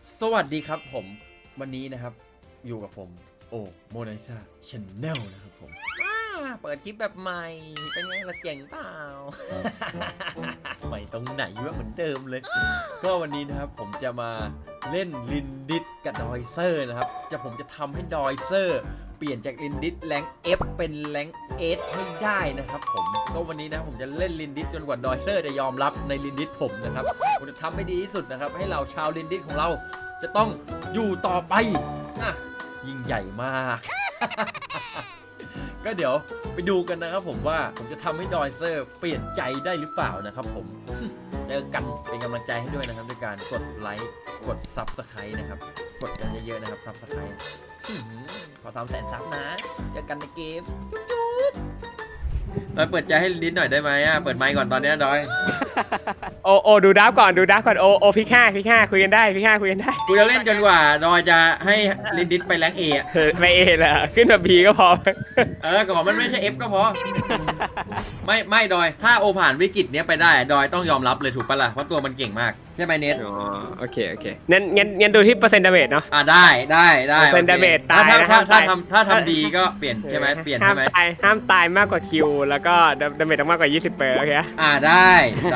สวัสดีครับผมวันนี้นะครับอยู่กับผมโอโมนาลิซาชาแนลนะครับผมเปิดคลิปแบบใหม่เป็นไงล่ะเจ๋งเปล่า ใหม่ตรงไหนวะเหมือนเดิมเลย ก็วันนี้นะครับผมจะมาเล่นลินดิสกับดอยเซอร์นะครับผมจะทำให้ดอยเซอร์เปลี่ยนจากลินดิสแรง F เป็นแรง S ให้ได้นะครับผมก็วันนี้นะผมจะเล่นลินดิสจนกว่าดอยเซอร์จะยอมรับในลินดิสผมนะครับผมจะทำให้ดีที่สุดนะครับให้เราชาวลินดิสของเราจะต้องอยู่ต่อไปนะยิ่งใหญ่มาก ก็เดี๋ยวไปดูกันนะครับผมว่าผมจะทำให้ดอยเซอร์เปลี่ยนใจได้หรือเปล่านะครับผม เจอกันเป็นกำลังใจให้ด้วยนะครับด้วยการกดไลค์กด Subscribe นะครับกดกันเยอะๆนะครับ Subscribe ขอ300,000 ซับนะเจอกันในเกมจุ๊บมาเปิดใจให้ลินหน่อยได้ไหมเปิดไมค์ก่อนตอนนี้ดอยโอดูดับก่อนโอพิกห้าคุยกันได้คุยกันได้กูจะเล่นจนกว่าดอยจะให้ลินดิสไปแรงเอไม่เอแหละขึ้นมาบีก็พอก็บอกมันไม่ใช่ F ก็พอ ไม่ดอยถ้าโอผ่านวิกฤตเนี้ยไปได้ดอยต้องยอมรับเลยถูกปะล่ะเพราะตัวมันเก่งมากใช่ไหมเนทอ๋อโอเคงั้นดูที่เปอร์เซ็นต์ดาเมจเนาะได้เป็นดาเมจตายถ้าทำดีก็เปลี่ยนใช่ไหมเปลี่ยนใช่ไหมห้ามตายมากกว่าคิวแล้วก็ดาเมจต้องมากกว่า20%โอเคได้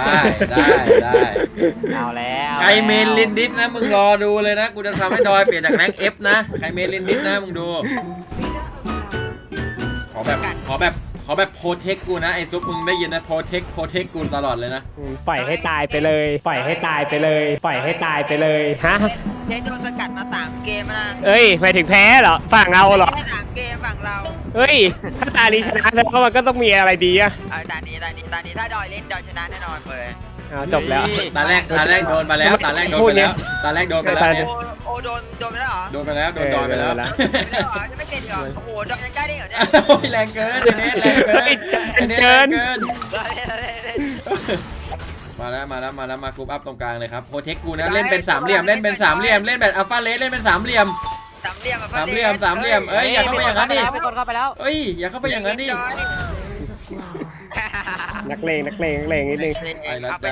เอาแล้วใครเมนลินดิสนะมึงรอดูเลยนะกูจะทำให้ดอยเปลี่ยนจากแรง F นะใครเมนลินดิสนะมึงดูขอแบบโปรเทคกูนะไอ้ซุปมึงได้ยินนะโปรเทคกูตลอดเลยนะปล่อยให้ตายไปเลยฮะเจ๊โดนสกัดมา3 เกมนะเอ้ยหมายถึงแพ้เหรอฝั่งเราเหรอแค่3 เกมฝั่งเราเฮ้ยถ้าตานี้ชนะแสดงว่ามันก็ต้องมีอะไรดีอะตานี้ถ้าดอยเล่นดอยชนะแน่นอนเลยจบแล้วตาแรกโดนไปแล้วตาแรกโดนไปแล้วเนี่ยโอโดนไปแล้วเหรอโดนไปแล้วโดนดอยไปแล้วจะไม่เก่งเหรอโอ้โหดอยยังกล้าได้เหรอเนี่ยโอ้ยแรงเกินเนทแรงเกินมาแล้วมากรุ๊ปอัพตรงกลางเลยครับโปรเทคกูนะเล่นเป็น3 เหลี่ยมเล่นแบบอัลฟาเลสเล่นเป็น3 เหลี่ยมเอ้ยอย่าเข้าไปอย่างนั้นดิมีคนเข้าไปแล้วเอ้ยอย่าเข้าไปอย่างนั้นดินักเลงนิดนึงไปแล้วจ้า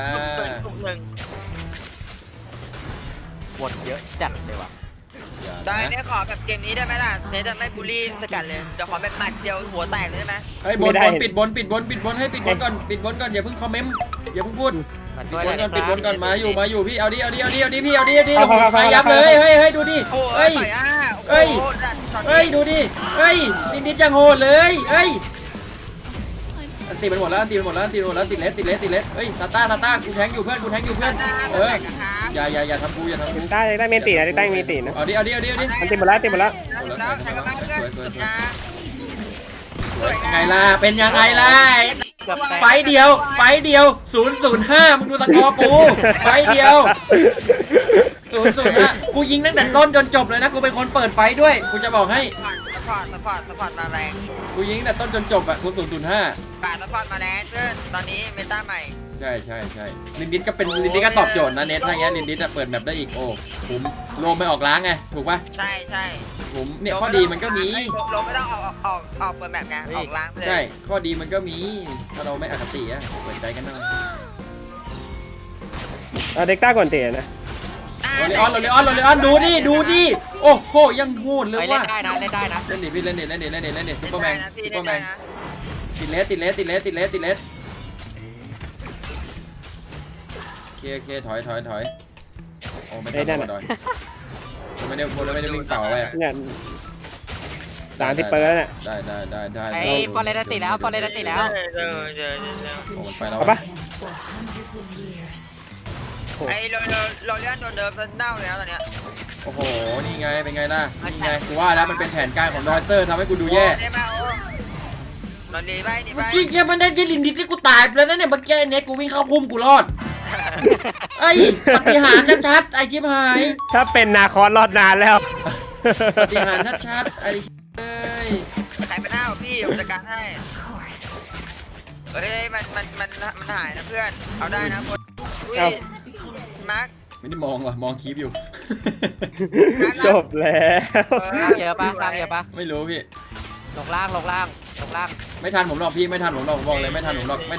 บทเยอะจัดเลยว่ะได้เนี่ยขอแบบเกมนี้ได้ไหมล่ะเนี่ยจะไม่บูลลี่สกัดเลยจะขอแบบหมัดเดียวหัวแตกเลยได้ไหมเฮ้ยบนปิดบนให้ปิดบนก่อนอย่าเพิ่งคอมเมนต์อย่าเพิ่งพูดปิดบนก่อนมาอยู่พี่เอาดิพี่เอาดิไฟยับเลยเฮ้ยดูดิเฮ้ยดูดิเฮ้ยนิดจังโหดเลยเฮ้ยตีมันหมดแล้วติดเลสเฮ้ยตาต้ากูแทงอยู่เพื่อนอย่าทำกูได้เมนตีนะได้เมนตีนะเอาดิมันตีหมดแล้วไงล่ะเป็นยังไงล่ะไฟเดียว005มึงดูสกอร์กูไฟเดียว005กูยิงตั้งแต่ต้นจนจบเลยนะกูเป็นคนเปิดไฟด้วยกูจะบอกให้สปอร์ตมาแรงกูยิงแต่ต้นจนจบอะกู005 สปอร์ตมาแรงเพื่อนตอนนี้เมตาใหม่ใช่ลินดิสก็เป็นลินดิสก็ตอบโจทย์นะเน็ตถ้าอย่างเงี้ยลินดิสเปิดแบบได้อีกโอ้ผมโลมไปออกล้างไงถูกป่ะใช่ผมเนี่ยข้อดีมันก็มีโลมไม่ต้องออกเปิดแบบไงออกล้างเลยใช่ข้อดีมันก็มีถ้าเราไม่อคติอะเปิดใจกันหน่อยเด็กต้าก่อนเตะนะโรเลออนดูดิโอ้โหยังโหดเลยว่ะเล่นได้นะเล่นดิซุปเปอร์แมนติดเลสโอเคถอยโอ้ไม่ได้ดอยไม่ได้วิ่งเต่าไปเนี่ยด่านที่เปิดแล้วเนี่ยได้ไอ้ฟอร์เรสติดแล้วโอ้มันไปแล้วปะไอ้โรเลียนโดนเดิมเน่าแล้วตอนเนี้ยโอ้โหนี่ไงเป็นไงล่ะนี่ไงกูว่าแล้วมันเป็นแผนการของดอยเซอร์ทำให้กูดูแย่เราดีไปจริงๆมันได้ยินลินดิสที่กูตายไปแล้วนะเนี่ยเมื่อกี้เนี่ยกูวิ่งเข้าพุ่มกูรอดไอ้ปฏิหารชัดๆไอ้ชิบหายถ้าเป็นนาคอสรอดนานแล้วปฏิหารชัดๆไอ้ใครเป็นหน้าพี่ผมจัดการให้เฮ้ยมันหายนะเพื่อนเอาได้นะคนมาร์คไม่ได้มองว่ะมองคลิปอยู่จบแล้วเยอะปะไม่รู้พี่ลงล่างไม่ทันผมหรอกพี่ไม่ทันผมหรอกบอกเลยไม่ทันผมหรอก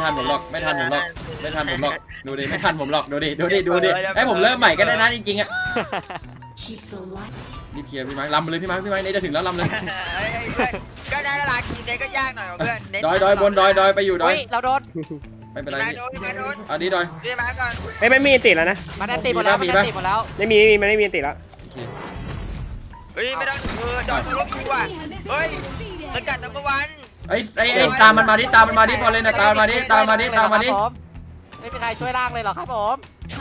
ดูดิไม่ทันผมหรอกดูดิให้ผมเริ่มใหม่ก็ได้นะจริงๆอะรีบเคลียร์พี่ไม้ลำมาเลยพี่ไม้เนี่ยจะถึงแล้วลำเลยเฮ้ยเพื่อนก็ได้เวลาทีมเน็ตก็ยากหน่อยว่ะเพื่อนเน็ตดอยบนดอยไปอยู่ดอยเฮ้ยเราโดนไม่เป็นไรมาพี่โดนมาโดนอันนี้ดอยพี่มาก่อนเฮ้ยไม่มีติดแล้วนะมันได้ตีหมดแล้วมีมันปะได้ตีหมดแล้วไม่มีมันไม่มีติดแล้วโอเคเฮ้ยไม่ต้องจอดรถคิวอ่ะเฮ้ยสกัดนัมเบอร์วันไอ้ตามมันมาดิตามมันมาดิพอเลยนะตามมาดิตามมาดิไม่เป็นใครช่วยล่างเลยหรอครับผม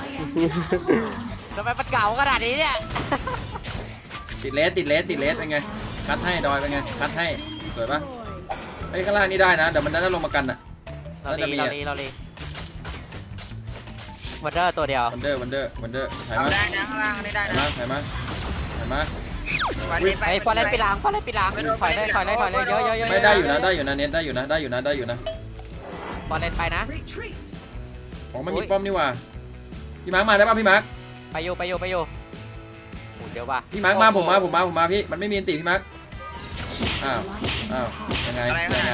ทำไมมันเก่าขนาดนี้เนี่ยติดเลสเป็นไงคัดให้ดอยเป็นไงคัดให้สวยปะไอ้ข้างล่างนี่ได้นะเดี๋ยวมันจะลงมากันอ่ะเราลีวันเดอร์ตัวเดียววันเดอร์ถ่ายเอามาได้นะข้างล่างนี่ได้นะถ่ายมาวันนี้ไปไอ้ฟอร์เรนปีหลังถอยเลยเยอะไม่ได้อยู่นะเน็ตได้อยู่นะฟอร์เรนไปนะของมันมีป้อมนี่ว่าพี่มาร์คมาได้ป่ะพี่มาร์คไปอยู่โอ้เดี๋ยวว่ะพี่มาร์คมาผมมาพี่มันไม่มีอันติพี่มาร์คอ้าวยังไง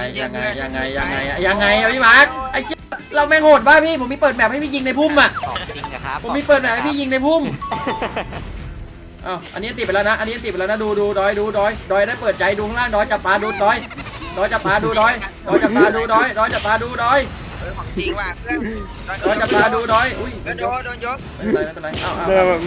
พี่มาร์คไอ้เหี้ยเราแม่งโหดป่ะพี่ผมมีเปิดแมปให้พี่ยิงในพุ่มอ่ะของจริงนะครับผมมีเปิดแมปให้พี่ยิงในพุ่มอ้าวอันนี้ติดไปแล้วนะดูดอยได้เปิดใจดูข้างล่างดอยจับตาดูดอยจับตาดูดอยจับตาดูดอยของจริงว่ะเพื่อนดอยจับตาดูดอยอุ้ยโดนยกไม่เป็นไรอ้าว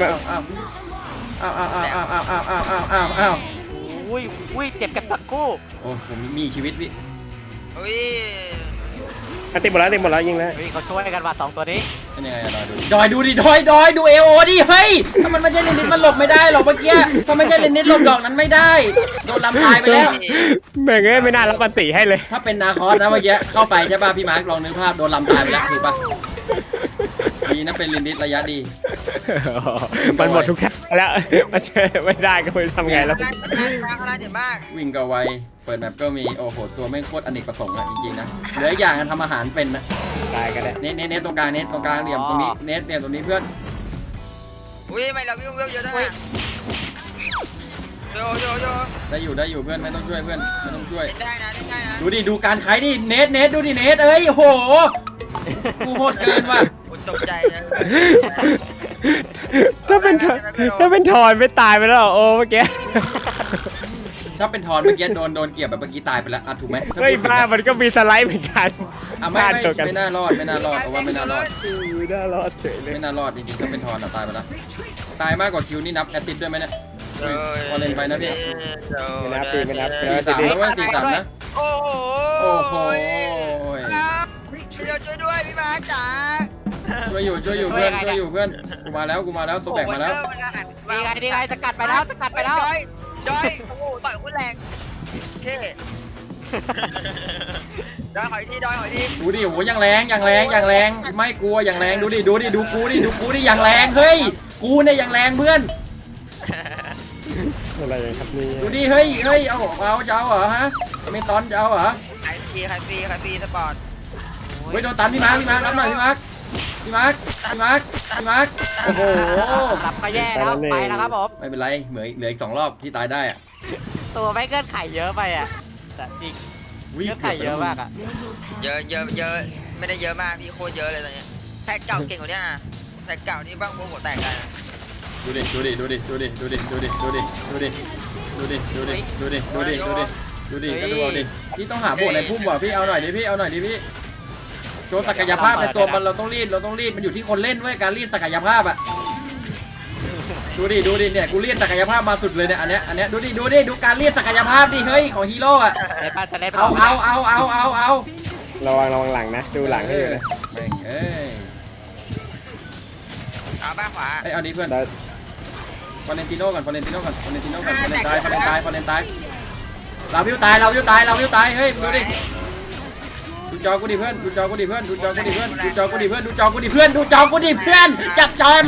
อุ้ยเจ็บกันทั้งคู่โอ้ผมมีชีวิตพี่อุ้ยติดหมดแล้วยิงแล้วเฮ้ยเขาช่วยกันว่ะ2ตัวนี้เป็นยังไงอะดอยดูดิดอยดูเอโอดิเฮ้ยถ้ามันไม่ใช่เลนนิดมันหลบไม่ได้หรอกเมื่อกี้ถ้าไม่ใช่เลนนิดหลบดอกนั้นไม่ได้โดนลำตายไปแล้วแม่งไม่น่ารับปันติให้เลยถ้าเป็นนาคอสนะเมื่อกี้เข้าไปใช่ป่ะพี่มาร์คลองนึกภาพโดนลำตายไปแล้วถูกป่ะดีนะเป็นเลนนิดระยะดีมันหมดทุกทางแล้วมันไม่ได้ก็ไม่ทำไงแล้วข้างล่างเจ็บมากวิ่งก็ไวเปิดแมปก็มีโอ้โหตัวไม่โคตรอเนกประสงค์อะจริงๆนะเหลืออย่างทำอาหารเป็นนะตายกันแล้วเน็ตตรงกลางเหลี่ยมตรงนี้เน็ตตรงนี้เพื่อนอุ้ยไม่เราวิ่งเยอะด้วยนะโยได้อยู่เพื่อนไม่ต้องช่วยเพื่อนไม่ต้องช่วยได้นะดูการขายดิเน็ตดูดิเน็ตเอ้ยโอ้โหกูโหดเกินว่ะคุณตกใจนะถ้าเป็นทอนไม่ตายไปแล้วโอ้เมื่อกี้ถ้าเป็นทอนเมื่อกี้โดนเกี่ยวแบบเมื่อกี้ตายไปแล้วอ่ะถูกไหมเฮ้ยบ้ามันก็มีสไลด์เหมือนกันไม่น่ารอดเอาว่าไม่น่ารอดไม่น่ารอดเฉยเลยไม่น่ารอดจริงๆถ้าเป็นทอนตายไปแล้วตายมากกว่าคิวนี่นับแอตติดด้วยไหมเนี่ยพอเล่นไปนะพี่ไม่นับ 4-3แล้วว่า4-3นะโอ้โหโอ้โหช่วยด้วยพี่มาจ๋าช่วยอยู่เพื่อนกูมาแล้วตัวแบกมาแล้วดีไงสกัดไปแล้วจอยโอ้โหต่อยคุณแรงเท่ดอยหอยทีดูดิโหยังแรงไม่กลัวอย่างแรงดูกูดิอย่างแรงเฮ้ยกูเนี่ยอย่างแรงเพื่อนอะไรครับนี่ดูดิเฮ้ยเอาจะเอาเหรอฮะไม่ตอนจะเอาเหรอขายฟรีสปอร์ตเฮ้ยโดนตันพี่มาร์ครับหน่อยพี่มาร์คโอ้โหรับก็แย่แล้วไปแล้วครับผมไม่เป็นไรเหลืออีก2 รอบที่ตายได้อะตัวไม่เกินไข่เยอะไปอ่ะแต่จริงเกินไข่เยอะมากอ่ะเยอะไม่ได้เยอะมากพี่โคตรเยอะเลยตอนนี้แพ็กเก่าเก่งกว่านี้นะแพ็กเก่านี่บ้างพวกหัวแตกกันดูดิก็ดูเอาดิพี่ต้องหาโบสในพุ่มว่ะพี่เอาหน่อยดิพี่โชว์ศักยภาพในตัวมันเราต้องรีดมันอยู่ที่คนเล่นเว้ยการรีดศักยภาพอ่ะดูดิเนี่ยกูรีดศักยภาพมาสุดเลยเนี่ยอันเนี้ยดูการรีดศักยภาพดิเฮ้ยของฮีโร่อ่ะเอาระวังหลังนะดูหลังให้อยู่นะแม่งเอ้ยเอาบ้างขวาเอาดิเพื่อนฟอเรนติโน่ก่อนฟอเรนตายเราวิวตายเฮ้ยดูดิดูจอกูดิเพื่อนจับจอ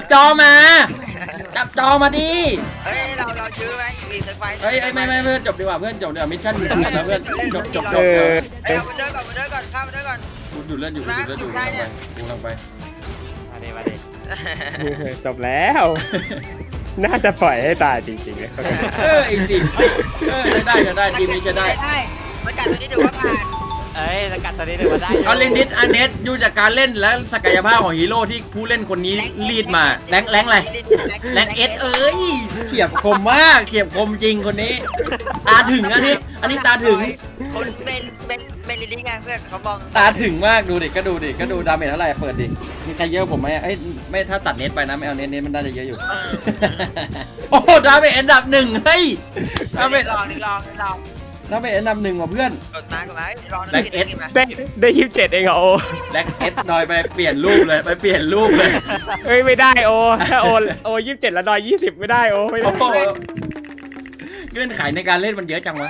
มาดิเฮ้ยเรายื้อไหมอีกสักไฟเฮ้ยไม่เพื่อนจบดีกว่ามิชชั่นมีสำคัญนะเพื่อนจบเอาเดินก่อนข้ามเดินก่อนกูดูเล่นอยู่กูกำลังไปมาดิจบแล้ว น่าจะปล่อยให้ตายจริงๆเลยอีกสิใช้ได้ทีมนี้ใช้ได้มันกัดตัวนี้ถือว่าผ่านเอ้ยสกัดตัวนี้เดี๋ยวมาได้เอาลินดิสอันเนสดูจากการเล่นและศักยภาพของฮีโร่ที่ผู้เล่นคนนี้ลีดมาแรงอะไรแรงเอสเอ้ยเฉียบคมมากเฉียบคมจริงคนนี้ ตาถึงอันนี้ตาถึงคนเป็นลิลลี่ไงเพื่อนเขามองตาถึงมากดูดิก็ดูดาเมจเท่าไหร่เปิดดิมีใครเยอะผมไหมเอ้ยไม่ถ้าตัดเน็ตไปนะไม่เอาเน็ตมันน่าจะเยอะอยู่ โอ้ดาเมจอันดับ 1เฮ้ยดาเมจลองดาเมจอันดับ 1ว่ะเพื่อนกดมาลองแบ็คเอสได้27เองเหรอโอแล็กเอสดอยไปเปลี่ยนรูปเลยไปเปลี่ยนรูปเลยเฮ้ยไม่ได้โอถ้าโอ27แล้วดอย20ไม่ได้โอไม่ได้โอ้โหเงื่อนไขในการเล่นมันเยอะจังวะ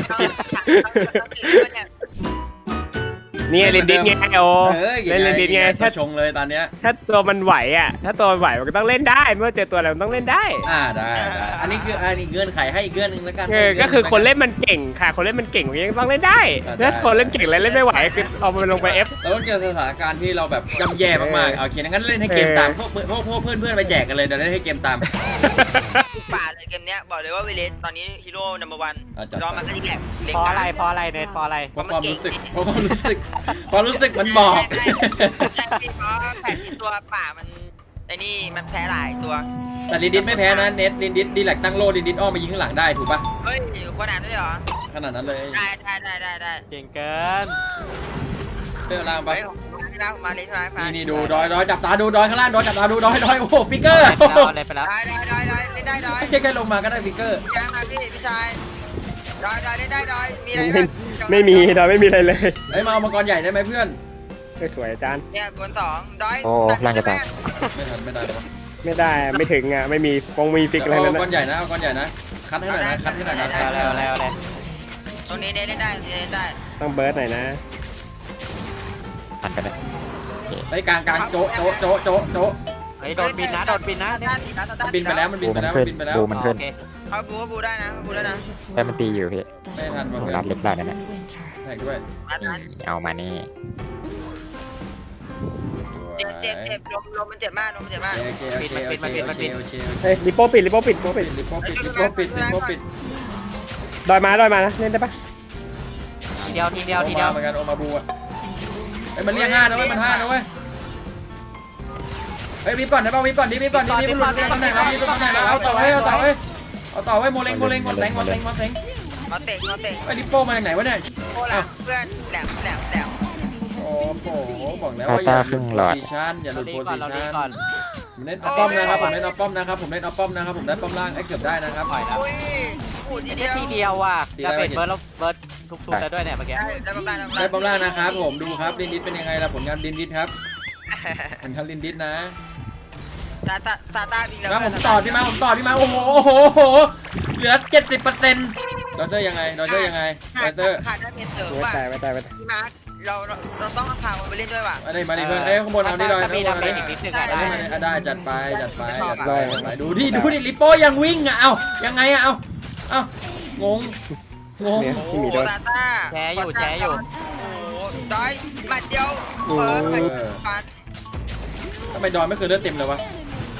นี่ลินดิสไงโอเอ้ยเล่นลินดิสไงถ้าถ้าชงเลยตอนเนี้ยถ้าตัวมันไหวอ่ะถ้าตัวมันไหวมันก็ต้องเล่นได้เมื่อเจอตัวอะไรมันต้องเล่นได้ได้อันนี้คืออันนี้เงื่อนไขให้อีกเงื่อนหนึงแล้วกันก็คือคนเล่นมันเก่งค่ะ คนเล่นมันเก่งมันยังต้องเล่นได้ถ้าคนเล่นเก่งแล้วเล่นไม่ไหวคือเอามันลงไป F เราต้องเจอสถานการณ์ที่เราแบบย่ำแย่มากๆโอเคงั้นเล่นให้เกมตามพวกเพื่อนไปแจกกันเลยเดี๋ยวเล่นให้เกมตามป่าเลยเกมเนี้ยบอกเลยว่าเวเลสตอนนี้ฮีโร่นัมเบอร์วันจัดรอมันก็ดีแหละเพราะอะไรเพราะอะไรเนทเพราะอะไรเพราะความรู้สึกมันบอกใช่เพราะ80ตัวป่ามันไอ้นี่มันแพ้หลายตัวแต่ลินดิสไม่แพ้นะเน็ตลินดิสดีแลกตั้งโลลินดิสอ้อมมายิงข้างหลังได้ถูกปะเฮ้ยขนาดนั้นเลยเหรอขนาดนั้นเลยได้เก่งเกินเรื่องล่างไปเฮ้ยผมมาเลยใช่ไหมนี่ดูดอยจับตาดูดอยข้างล่างดอยจับตาดูดอยโอ้โหฟิกเกอร์เล่นไปแล้วได้เล่นได้ดอยแค่ลงมาก็ได้ฟิกเกอร์ยังครับพี่ชายดอยเล่นได้ดอยมีอะไรไม่มีดอยไม่มีอะไรเลยเฮ้ยมาเอามังกรใหญ่ได้ไหมเพื่อนไม่สวยอาจารย์เนี่ยบนสองดอยไม่ทันไม่ได้หรอไม่ได้ไม่ถึงอ่ะไม่มีมีฟิกอะไรเอานั่นมังกรนะใหญ่นะเอามังกรใหญ่นะคัดให้หน่อยนะคัดให้หน่อยนะแล้วตรงนี้เล่นได้ได้ต้องเบิร์ดหน่อยนะทันกันเลยไปกลางโจะเฮ้ยโดนบินนะโดนบินนะเนี่ยบินไปแล้วมันบินไปแล้วบินไปแล้วบูมันขึ้นโอเคเขาบูได้นะบูได้นะแต่มันตีอยู่พี่ไม่ทันผเพื่มอนรับเล็กได้นั่นแหละแทงด้วยนี่เอามานี่เจ็บลมมันเจ็บมากโอเคเฮ้ยลิโป้ปิดลิปโป้ปิดดอยมานะเล่นได้ปะทีเดียวเหมือนกันโอมาบูอ่ะไอ้มันเรียก5นะเว้ยมัน5นะเว้ยเฮ้ยวิบก่อนได้ป่ะวิบก่อนดิวิบหลุดตำแหน่งแล้วเอาต่อไว้โมเล้งมาเตะมาเตะไอ้ลิปโป้มาจากไหนวะเนี่ยโอ้ล่ะเพื่อนแหลมโอ้โหบอกแล้วว่าอย่าหลุดโพซิชั่นอย่าหลุดโพซิชั่นผมเล่นเอาป้อมนะครับผมเล่นเอาป้อมนะครับผมได้ป้อมล่างไอ้เกือบได้นะครับปล่อยแล้วอุ้ยพูดทีเดียวทีเดียวว่ะจะเป็นเบิร์ดแล้วเบิร์ดทุกๆแล้วด้วยเนี่ยเมื่อกี้ได้ประมาณได้ป้อมล่างนะครับผมดูครับลินดิสเป็นยังไงล่ะผลงานลินดิสครับผลงานลินดิสนะซาตาบินแล้วมาผมต่อพี่มาโอ้โหเหลือ 70%ดอเจอร์ยังไงขาดได้เพชรเสริมไม่ว่ะตายพี่มาร์คเราต้องพามันไปเล่นด้วยว่ะมาดิเพื่อนข้างบนเอาดิดอยมีดาเมจอีกนิดนึงอ่ะได้ได้จัดไปดูดิลิปโป้ยังวิ่งอ่ะเอายังไงอ่ะเอางงเนี่ยที่มีโอ้ดอยซาตาโอ้ดอยหมัดเดียวฟันทำไมดอยไม่เคยเลือดเต็มเลยวะ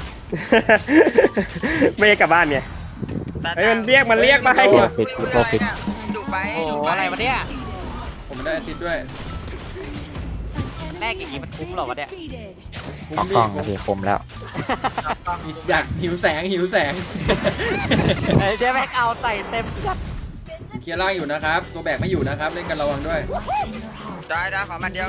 ไม่ได้กลับบ้านเนี่ยเฮ้ยมันเรียกมาให้ดุไปโอ้อะไรวะเนี่ยผมไม่ได้แอซิดด้วยแรกอย่างนี้มันคุ้มหรอวะเนี่ยออกกล้องพี่คมแล้วอยากหิวแสงเฮ้ยเจ๊แม็กเอาใส่เต็มจัดเคลียร์ล่างอยู่นะครับตัวแบกไม่อยู่นะครับเล่นกันระวังด้วยได้ขอหมัดเดียว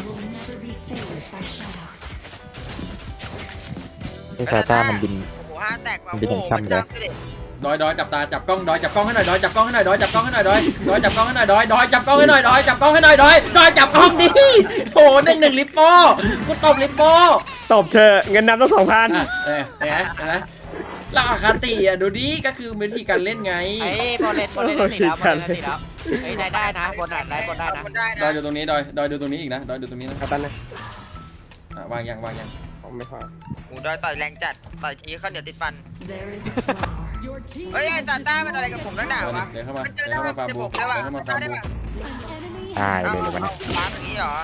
พี่ซาต้ามันบินโอ้โห5แตกว่ะบินอย่างช่ำเลยดอยจับตาจับกล้องดอยจับกล้องให้หน่อยดอยจับกล้องให้หน่อยดอยจับกล้องให้หน่อยดอยจับกล้องให้หน่อยดอยจับกล้องให้หน่อยดอยจับกล้องให้หน่อยดอยจับกล้องดิโอ้1ลิปโป้กูตบลิปโป้ตบเธอเงินนำต้อง 2,000 นะเราอาคาติอ่ะดูดิก็คือวิธีการเล่นไงไอ้บอลเลนติดแล้วเฮ้ยได้นะบนได้นะดอยดูตรงนี้ดอยดูตรงนี้อีกนะดอยดูตรงนี้นะเอาตันนะวางยังผมไม่พอหมูดอยต่อยแรงจัดต่อยทีข้าวเหนียวติดฟันเฮ้ยไอ้ตาต้ามันอะไรกับผมตั้งหนาวะเดี๋ยวเข้ามาฟาร์มบูได้ป่ะตายเลยเลยวะเนี่ยวางอย่างนี้เหรอ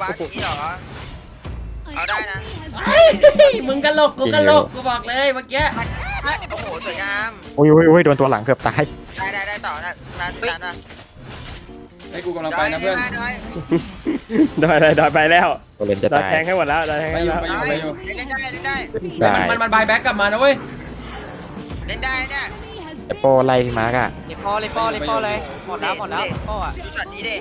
เอาได้นะมึงกะลกกูบอกเลยเมื่อกี้โอ้โหสวยงามโอ้ยโดนตัวหลังเกือบตายได้ต่อนะให้กูกำลังไปนะเพื่อนดอยไปแล้วโอเลนจะดอยตายแทงให้หมดแล้วดอยแทงไปให้อยู่แล้วไปอยู่ไปอยู่เล่นได้เล่นได้ได้มันบายแบ็กกลับมานะเว้ยเล่นได้เนี่ยแต่โปไล่พี่มาร์กอะลิปโป้เลยหมดแล้วลิปโป้อะดูช็อตนี้ดิ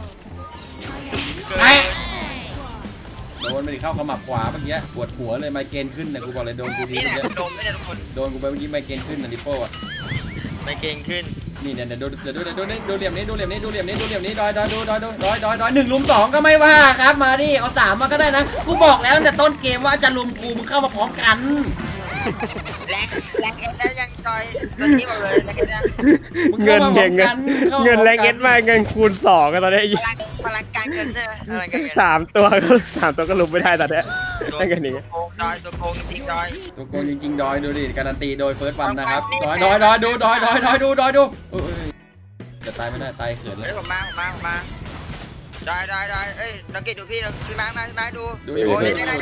ไอ้โดนไปดิเข้าขมับขวาเมื่อกี้ปวดหัวเลยไมเกรนขึ้นนะกูบอกเลยโดนกูทีนี่แหละเมื่อกี้โดนไม่ได้ทุกคนโดนกูไปเมื่อกี้ไมเกรนขึ้นนะลิโป้อะไม่เก่งขึ้นนี่เนี่ยดูเหลี่ยมนี้ดูเหลี่ยมนี้ดูเหลี่ยมนี้ดูเหลี่ยมนี้ดอย1 ลุม 2ก็ไม่ว่าครับมาดิเอา3มาก็ได้นะกูบอกแล้วตั้งแต่ต้นเกมว่าจะลุมกูมึงเข้ามาพร้อมกันแรงเอ็นได้ยังจอยตัวนี้บอกเลยแรงเอ็นนะเงินเงินแรงเอ็ดมาเงินคูณ2กันตอนนี้พลังการเงินเนี่ยพลังการเงิน 3 ตัวก็ลุมไม่ได้ตอนนี้ได้กันนี้โกงดอยตัวโกงจริงดอยตัวโกงจริงๆดอยดูดิการันตีโดยเฟิร์สวันนะครับดอยดูดอยจะตายไม่ได้ตายเขินเลเฮ้ยยผมมาดอยเอ้ยนักเก็ตดูพี่มาดูดูอยู่เพื่อนดู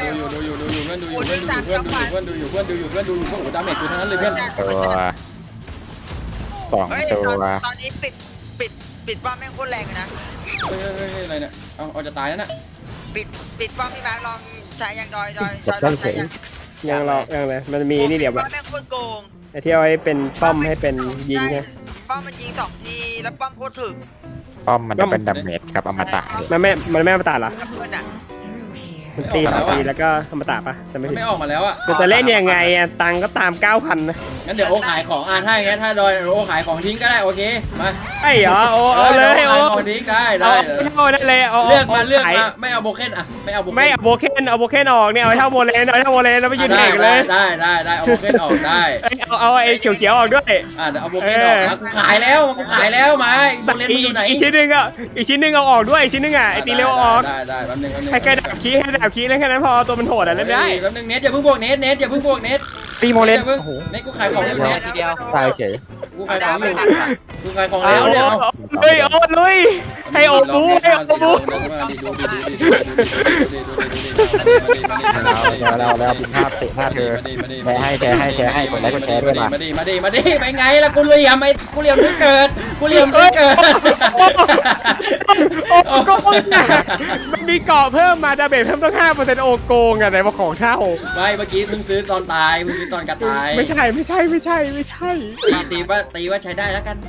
อยู่ดาเมจกูทั้งนั้นเลยเพื่อนตัวสองเฮ้ยตัวตอนนี้ปิดป้อมแม่งโคตรแรงเลยนะเฮ้ยอะไรเนี่ยเอาจะตายแล้วน่ะปิดป้อมพี่มาร์คลองใช้ยังดอยใช้ยังยังเลยมันมีนี่เดี๋ยวป้อมแม่งโคตรโกงไอ้ที่เอาไว้เป็นป้อมให้เป็นยิงไงป้อมมันยิง2 ทีแล้วป้อมโคตรถึกป้อมมันจะเป็นดาเมจกับอมตะเลยมันไม่อมตะเหรอกับเพื่อนอ่ะมันตีแล้วก็อมตะปะจะไม่มันไม่ออกมาแล้วอ่ะจะเล่นยังไงอ่ะตังก็ตาม 9,000นะงั้นเดี๋ยวโอขายของถ้าอย่างงี้ถ้าดอยโอขายของทิ้งก็ได้โอเคมาไอ้เหรอโอ้เอาเลยขายโอ้ของทิ้งได้เอาได้เลยเอาเลือกมาไม่เอาโบเคนอ่ะไม่เอาโบเคนไม่เอาโบเคนออกเนี่ยเอาเท่าโบเลนแล้วไปยืนแข่งเลยได้เอาโบเคนออกได้เอาไอ้เขียวออกด้วยเดี๋ยวเอาโบเคนออกนะกูขายแล้วมาโบเลนมันอยู่ไหนอีกชิ้นหนึ่งเอาออกด้วยอีกชิ้นหนึ่งอ่ะไอ้ตีเร็วออกได้แป๊บนึงให้แค่ดาบคีแล้วแค่นั้นพอตัวมันโหดอ่ะเล่นได้แป๊บนึงเน็ตอย่าเพิ่งบวกเน็ตอย่าเพิ่งบวกเน็ตตีโมเลนเน็ตกูขายของอยู่เน็ตทีเดียวตายเฉยกูขายของอยู่กูขายของเอาแล้วเนี่ยเฮ้ยโอ้ลุยให้โอ้บูแล้วบินภาพเตะภาพเธอแชร์ให้กดไลค์กดแชร์ด้วยมามาดิไปไงล่ะกูเหลี่ยมกูเหลี่ยมด้วยเกิดโอ้โกงมันมีเกาะเพิ่มมาดาเมจเพิ่มตั้ง 5% โอโกงอ่ะไหนมาของเท่าไม่เมื่อกี้เพิ่งซื้อตอนตายเมื่อกี้ตอนกระตายไม่ใช่ตีว่าใช้ได้แล้วกัน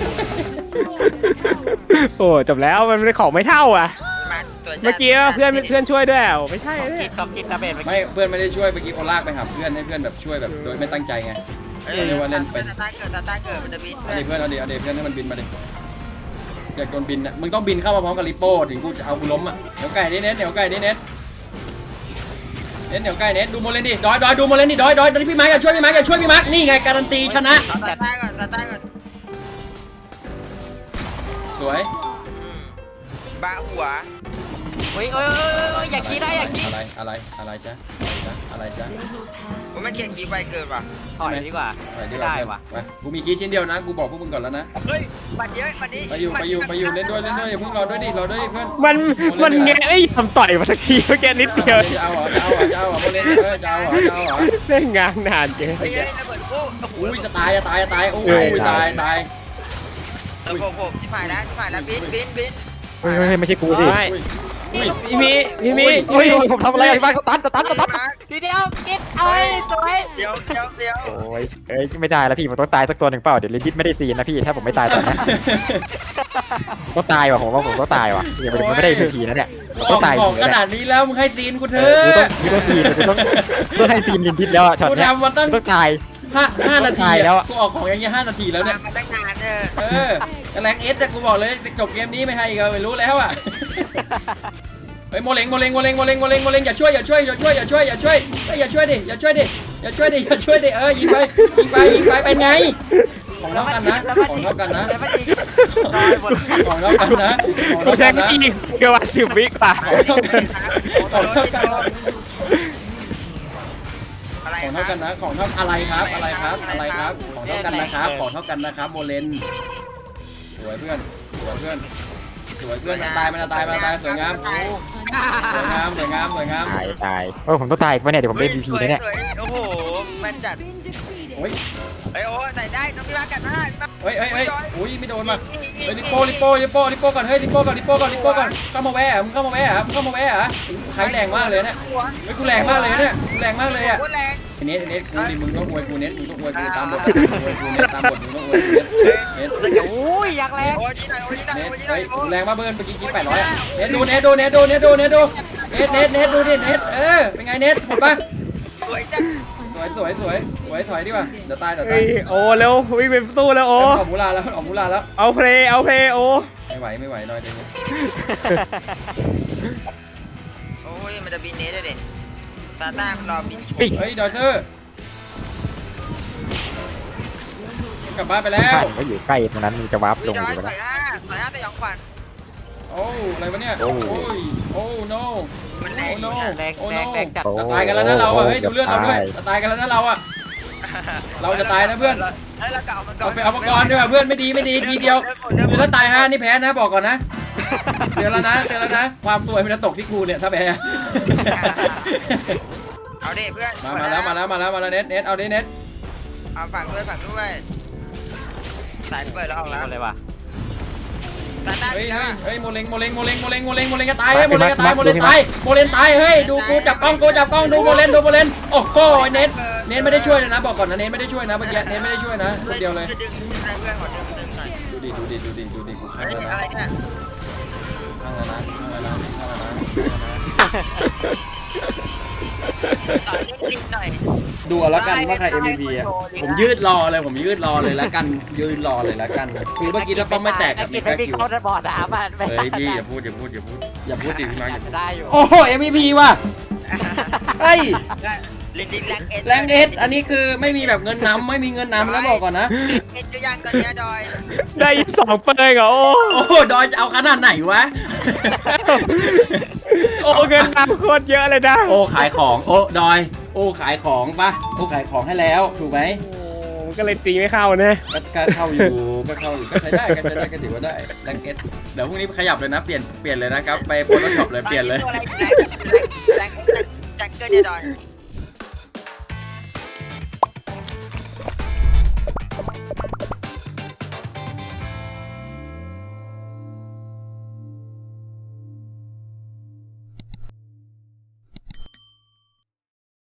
โอ้จบแล้วมันเป็นของไม่เท่าอ่ะเมื่อกี้เพื่อนช่วยด้วยไม่ใช่กินดาเมจไม่เพื่อนไม่ได้ช่วยเมื่อกี้เขาลากไปหาเพื่อนให้เพื่อนแบบช่วยแบบโดยไม่ตั้งใจไงเรียกว่าเล่นเป็นตาเกิดมันจะบินเอาดิเพื่อนให้มันบินมาดิอยากโดนบินนะมึงต้องบินเข้ามาพร้อมกับลิโป้ถึงกูจะเอากูล้มอ่ะเหนียวไก่ดิเน็ตเหนียวไก่ดิเน็ตดูโมเลนดิดอยดูโมเลนดิดอยพี่มาร์คอย่าช่วยพี่มาร์คนี่ไงการันตีชนะตาก่อนสวยบ้าหัวเฮ้ยอย่าขี้ได้อย่าขี้อะไรจ๊ะผมไม่เกลียดคีไปเกินว่ะถอยดีกว่าไม่ได้ว่ะกูมีคีย์ชิ้นเดียวนะกูบอกพวกมึงก่อนแล้วนะเฮ้ยบัตรเยอะบัตรนี้ไปอยู่เล่นด้วยอย่าเพิ่งรอด้วยดิเพื่อนมันแงะไอ้ทำต่อยมาสักทีเมื่อกี้นิดเดียวจะเอาเหรอโมเลนจะเอาเหรอเล่นงานนานเกินเฮ้ยระเบิดโอ้อุ้ยจะตายโอ้ยตายระเบิดผมชิบหายแล้วบินเฮ้ยไม่ใช่กูสิพี่มีเฮ้ยผมทำอะไรบ้างตันทีเดียวกินเอ้ยสวยเดี๋ยวโอ้ยไม่ได้แล้วพี่ผมต้องตายสักตัวหนึ่งเปล่าเดี๋ยวลิดิทไม่ได้ซีนนะพี่ถ้าผมไม่ตายตอนนี้ต้องตายว่ะผมว่าผมต้องตายว่ะยังไม่ได้ทีนะเนี่ยต้องตายขนาดนี้แล้วมึงให้ซีนกูเถอะต้องซีนต้องให้ซีนลิดิทแล้วช็อตกูนี้ทำมาตั้งต้องตาย 5 นาทีแล้วกูออกของอย่างเงี้ย5 นาทีแล้วเนี่ยมาตั้งนานแรงเอสแต่กูบอกเลยจบเกมนี้ไม่ให้ก็ไม่รู้แล้วอ่ะเฮ้ยโมเลงอย่าช่วยดิยิงไปเป็นไงของเท่ากันนะกูแทงอีกเกือบ10 วิกว่าของเท่ากันนะอะไรของเท่ากันนะของเท่าอะไรครับของเท่ากันนะครับโมเลนสวยเพื่อนมันตายสวยงามตายตายผมต้องตายอีกวะเนี่ยเดี๋ยวผมได้ MVP นะเนี่ยโอ้โหมันจัดโอ้ยเฮ้ยโอ้ใส่ได้น้องพี่มากัดหน้าเฮ้ยอุ้ยไม่โดนมาเฮ้ยลิโป้ก่อนเฮ้ยลิโป้ก่อนเข้ามาแวะมึงเข้ามาแวะใครแรงมากเลยเนี่ยเฮ้ยกูแรงมากเลยเนี่ยกูแรงมากเลยอ่ะโคตรแรงเน็ตกูดิมึงต้องอวยกูเน็ตมึงต้องอวยกูตามบทกูเน็ตตามบทมึงต้องอวยกูเน็ตอุ้ยอยากแรงโอ้ยโอ้ยเน็ตโอ้ยเฮ้ยโอ้ยแรงมากเบิร์นเมื่อกี้800เน็ตดูเน็ตดูเน็ตดูเน็ตเป็นไงเน็ตหมดปะสวยจังสวยถอยดีกว่าเดี๋ยวตายเฮ้ยโอ้เร็ววิ่งไปสู้แล้วโอ้ออกมูลาแล้วเอาเพลย์โอ้ไม่ไหวน้อยเดี๋ยวโอ้ยมันจะบินเนสด้วยดิตาต้ามันรอบินเฮ้ยดอยเซอร์กลับบ้านไปแล้วก็อยู่ใกล้ตรงนั้นมึงจะวาร์ปลงจออยยู่ใส่แล้วห้าแต่ยังขวัญโอ้อะไรวะเนี่ยโอ้ no มันแรโอ้ง no แรงจัดตายกันแล้วนะเราอ่ะเฮ้ยดูเลือดเราด้วยจะตายกันแล้วนะเราอ่ะเราจะตายนะเพื่อนเฮ้ยเรากลับมาก่อนเอาไปเอามาก่อนด้วยเพื่อนไม่ดีทีเดียวคือถ้าตาย5นี่แพ้นะบอกก่อนนะเตือนแล้วนะความสวยมันจะตกที่กูเนี่ยถ้าแพ้เอาดิเพื่อนมาแล้วเน็ตเอาดิเน็ตเอาฝั่งด้วยสายเปิดแล้วออกแล้วเลยว่ะตาต้าเฮ้ยโมเลงจะตายเฮ้ยโมเลงตายเฮ้ยดูกูจับกล้องดูโมเลนโอ้โหเน็ตไม่ได้ช่วยเลยนะบอกก่อนนะเน็ตไม่ได้ช่วยนะเมื่อกี้เน็ตไม่ได้ช่วยนะคนเดียวเลยดึงเพื่อนขอดึงหน่อยดูดิกูข้างแล้วนะอะไรเนี่ยข้างแล้วนะต่อเล่นจริงหน่อยดูเอาละกันว่าใคร MVP อ่ะผมยืดรอเลยละกันคือเมื่อกี้ถ้าป้อมไม่แตกกับมีกินแค่ไม่มีคิวเข้าในบ่อน้ำมันเฮ้ยพี่อย่าพูดดิพี่มาจะได้อยู่โอ้โห MVP ว่ะเฮ้ยลิงแรงเอสอันนี้คือไม่มีแบบเงินนำไม่มีเงินนำแล้วบอกก่อนนะเอ็ดก็ยังตอนนี้ดอยได้อีก2เปอร์เหรอโอ้โอ้โหดอยจะเอาขนาดไหนวะโอ้เงินน้ำโคตรเยอะเลยนะโอ้ขายของโอ้ดอยโอ้ขายของปะโอ้ขายของให้แล้วถูกไหมมันก็เลยตีไม่เข้านะก็เข้าอยู่ก็ใช้ได้ก็ถือว่าได้แรงเอสเดี๋ยวพรุ่งนี้ขยับเลยนะเปลี่ยนเลยนะครับไปโพสต์ช็อปเลยเปลี่ยนเลยตัวอะไรแรงจังเกินเนี่ยดอย